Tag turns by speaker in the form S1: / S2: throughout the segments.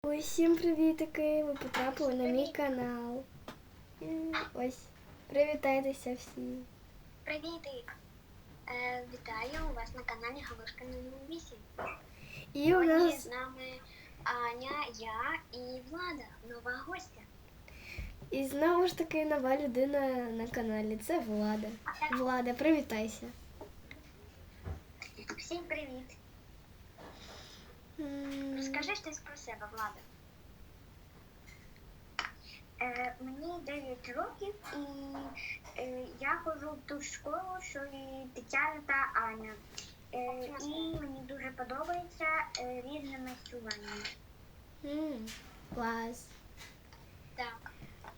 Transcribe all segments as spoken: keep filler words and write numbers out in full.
S1: Усім привітики! Ви потрапили на мій канал. Ось, привітайтеся всі.
S2: Привітик! Е, вітаю у вас на каналі Галушка номер вісім.
S1: І у
S2: Сьогодні
S1: нас
S2: з нами Аня, я і Влада, нова гостя.
S1: і знову ж таки нова людина на каналі. Це Влада. Влада, привітайся.
S2: Всім привіт!
S1: М,
S2: Розкажи щось про себе, Влада. Е, мені дев'ять років і е, я ходжу в ту ж школу, що і Тетяна та Аня. Е, і мені дуже подобається е, різне майстрування.
S1: м, Клас.
S2: Так.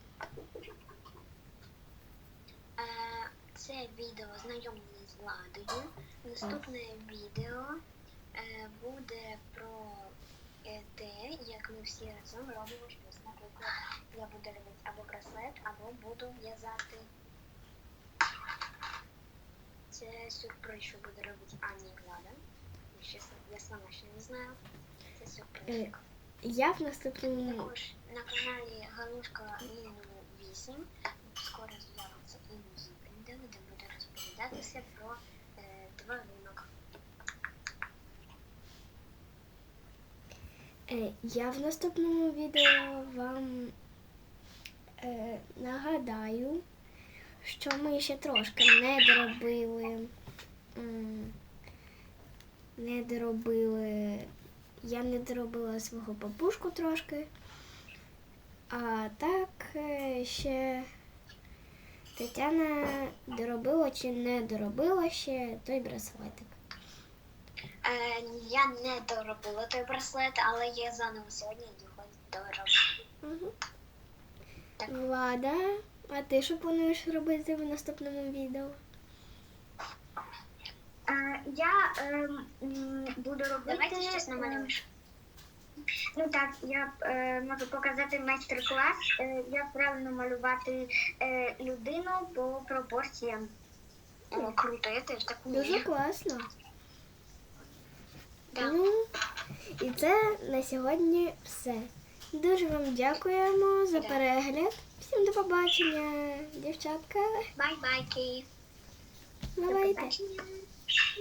S2: Е, це відео знайомлення з Владою. Наступне відео е, буде про е, те, як ми всі разом робимо щось. Наприклад, я буду робити або браслет, або буду в'язати. Це сюрприз, що буде робити Аня і Влада. Я, чесно, я сама ще не знаю. Це сюрприз.
S1: Е, Я в наступному
S2: Також на каналі Галушка номер вісім скоро з'явиться і мої відео, де буде розповідатися про е, тваринок.
S1: е, я в наступному відео вам е, нагадаю, що ми ще трошки не доробили. м, Не доробили. Я не доробила свого папушку трошки. А так е, ще Тетяна доробила чи не доробила ще той браслетик.
S2: Е, я не доробила той браслет, але я заново сьогодні його дороблю.
S1: Угу.
S2: Так.
S1: Влада, а ти що плануєш робити в наступному відео?
S2: Е, я е, буду робити... Давайте щось намалюєш. Ну так, я е, можу показати майстер-клас, е, як правильно малювати е, людину по пропорціям. О, круто, я теж так
S1: Дуже
S2: вмію.
S1: класно.
S2: Да.
S1: Ну, і це на сьогодні все. Дуже вам дякуємо за
S2: Да.
S1: перегляд. Всім до побачення, дівчатка.
S2: Бай-байки. До
S1: Бувайте.
S2: побачення.